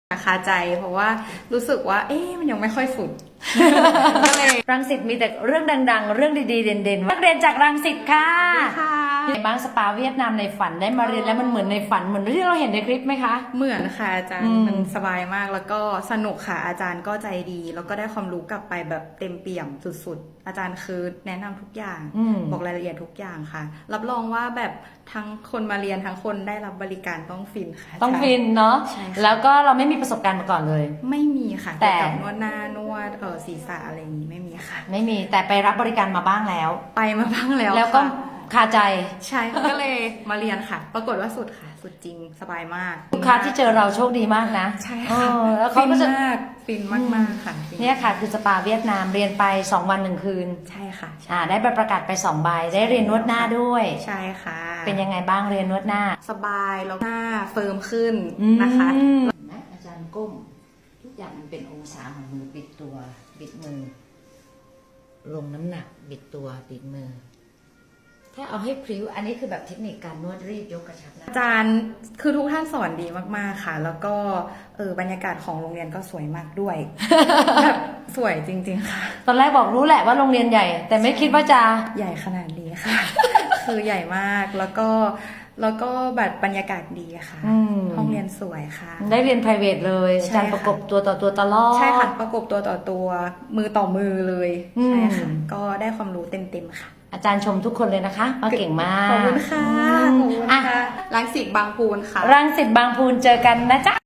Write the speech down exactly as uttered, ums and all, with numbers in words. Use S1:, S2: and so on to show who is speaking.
S1: คาใจเพราะว่ารู้สึกว่าเอ๊ะมันยังไม่ค่อยสุด
S2: รังสิตมีแต่เรื่องดังๆ เรื่องดีๆเด่นๆนักเรียนจากรังสิตค่ะในบ้างสปาเวียดนามในฝันได้มาเรียนแล้วมันเหมือนในฝันเหมือนที่เราเห็นในคลิปไหมคะ
S1: เหมือนค่ะอาจารย์
S2: อืม
S1: มันสบายมากแล้วก็สนุกค่ะอาจารย์ก็ใจดี แล้วก็ได้ความรู้กลับไปแบบเต็มเปี่ยมสุดๆอาจารย์คือแนะนำทุกอย่าง
S2: อืม
S1: บอกรายละเอียดทุกอย่างค่ะ รับรองว่าแบบทั้งคนมาเรียนทั้งคนได้รับบริการต้องฟินค่ะ
S2: ต้องฟินเนาะ
S1: ใช่ค่ะ
S2: แล้วก็เราไม่มีประสบการณ์มาก่อนเลย
S1: ไม่มีค่ะ
S2: แต่
S1: เกี่ยวกับนวดหน้านวดเออศีรษะอะไรอย่างนี้ไม่มีค่ะ
S2: ไม่มีแต่ไปรับบริการมาบ้างแล้ว
S1: ไปมาบ้างแล้ว
S2: แล้วก็
S1: ค่ะ
S2: คาใจ
S1: ใช่ค่ะก็เลยมาเรียนค่ะ ปรากฏว่าสุดค่ะ สุดจริงสบายมาก
S2: ลูกค้าที่เจอเราโชคดีมากนะ
S1: ใช่
S2: เอ
S1: ค่ะ
S2: อแล้วเขาก็จะ
S1: ฟินมากฟินมากมากๆค่ะฟิ
S2: เนี่ยค่ะคือสปาเวียดนามเรียนไปสองวันหนึ่งคืน
S1: ใช่ค่ะ
S2: อ่าได้ใบประกาศไปสองใบได้เรียนนวดหน้าด้วย
S1: ใช่ค่ะ
S2: เป็นยังไงบ้างเรียนนวดหน้า
S1: สบายแล้วหน้าเฟิร์มขึ้นนะคะ
S2: นะอาจารย์ก้มทุกอย่างมันเป็นองศาของมือบิดตัวบิดมือ ลงน้ำหนักบิดตัวบิดมือ ถ้าเอาให้พริ้วอันนี้คือแบบเทคนิคการนวดรีดยกกระชับนะ
S1: อาจารย์คือทุกท่านสอนดีมากๆค่ะ แล้วก็เออบรรยากาศของโรงเรียนก็สวยมากด้วย แบบสวยจริงๆค่ะ
S2: ตอนแรกบอกรู้แหละว่าโรงเรียนใหญ่ แต่ไม่คิดว่าจะ
S1: ใหญ่ขนาดนี้ค่ะ คือใหญ่มากแล้วก็แล้วก็แบบบรรยากาศดีค่ะ
S2: อืม
S1: ห้องเรียนสวยค่ะ
S2: ได้เรียน private เลยอา
S1: ใช่
S2: จารย์
S1: ค่ะ
S2: ประกบตัวต่อตัวตลอด
S1: ใช่ค่ะประกบตัวต่อตัวมือต่อมือเลย
S2: อืม
S1: ใช่ค่ะก็ได้ความรู้เต็มๆค่ะ
S2: อาจารย์ชมทุกคนเลยนะคะว่าเก่งมาก
S1: ขอบคุณค่ะ
S2: อืม
S1: ขอบคุณ
S2: อ่ะ
S1: ค่ะรังสิตบางพูนค่ะ
S2: รังสิตบางพูนเจอกันนะจ๊ะ